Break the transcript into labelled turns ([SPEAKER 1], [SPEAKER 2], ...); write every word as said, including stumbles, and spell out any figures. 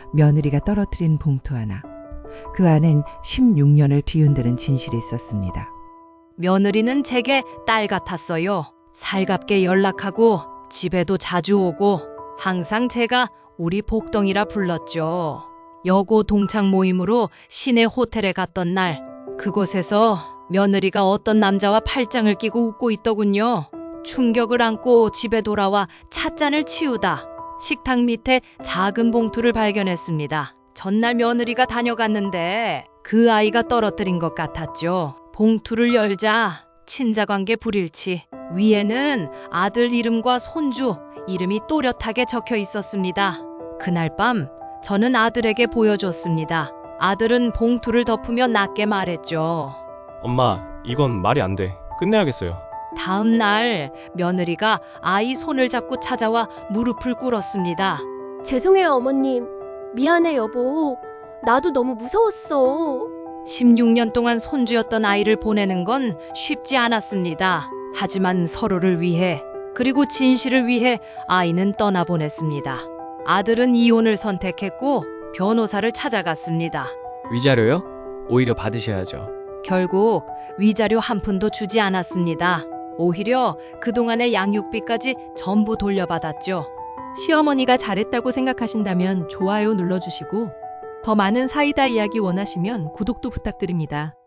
[SPEAKER 1] 며느리가 떨어뜨린 봉투 하나. 그 안엔 십육 년을 뒤흔드는 진실이 있었습니다.
[SPEAKER 2] 며느리는 제게 딸 같았어요. 살갑게 연락하고 집에도 자주 오고 항상 제가 우리 복덩이라 불렀죠. 여고 동창 모임으로 시내 호텔에 갔던 날, 그곳에서 며느리가 어떤 남자와 팔짱을 끼고 웃고 있더군요. 충격을 안고 집에 돌아와 찻잔을 치우다 식탁 밑에 작은 봉투를 발견했습니다. 전날 며느리가 다녀갔는데 그 아이가 떨어뜨린 것 같았죠. 봉투를 열자 친자관계 불일치, 위에는 아들 이름과 손주 이름이 또렷하게 적혀 있었습니다. 그날 밤 저는 아들에게 보여줬습니다. 아들은 봉투를 덮으며 낮게 말했죠.
[SPEAKER 3] 엄마, 이건 말이 안 돼. 끝내야겠어요.
[SPEAKER 2] 다음 날 며느리가 아이 손을 잡고 찾아와 무릎을 꿇었습니다.
[SPEAKER 4] 죄송해요, 어머님. 미안해, 여보. 나도 너무 무서웠어.
[SPEAKER 2] 십육 년 동안 손주였던 아이를 보내는 건 쉽지 않았습니다. 하지만 서로를 위해, 그리고 진실을 위해 아이는 떠나보냈습니다. 아들은 이혼을 선택했고 변호사를 찾아갔습니다.
[SPEAKER 5] 위자료요? 오히려 받으셔야죠.
[SPEAKER 2] 결국 위자료 한 푼도 주지 않았습니다. 오히려 그동안의 양육비까지 전부 돌려받았죠.
[SPEAKER 6] 시어머니가 잘했다고 생각하신다면 좋아요 눌러주시고 더 많은 사이다 이야기 원하시면 구독도 부탁드립니다.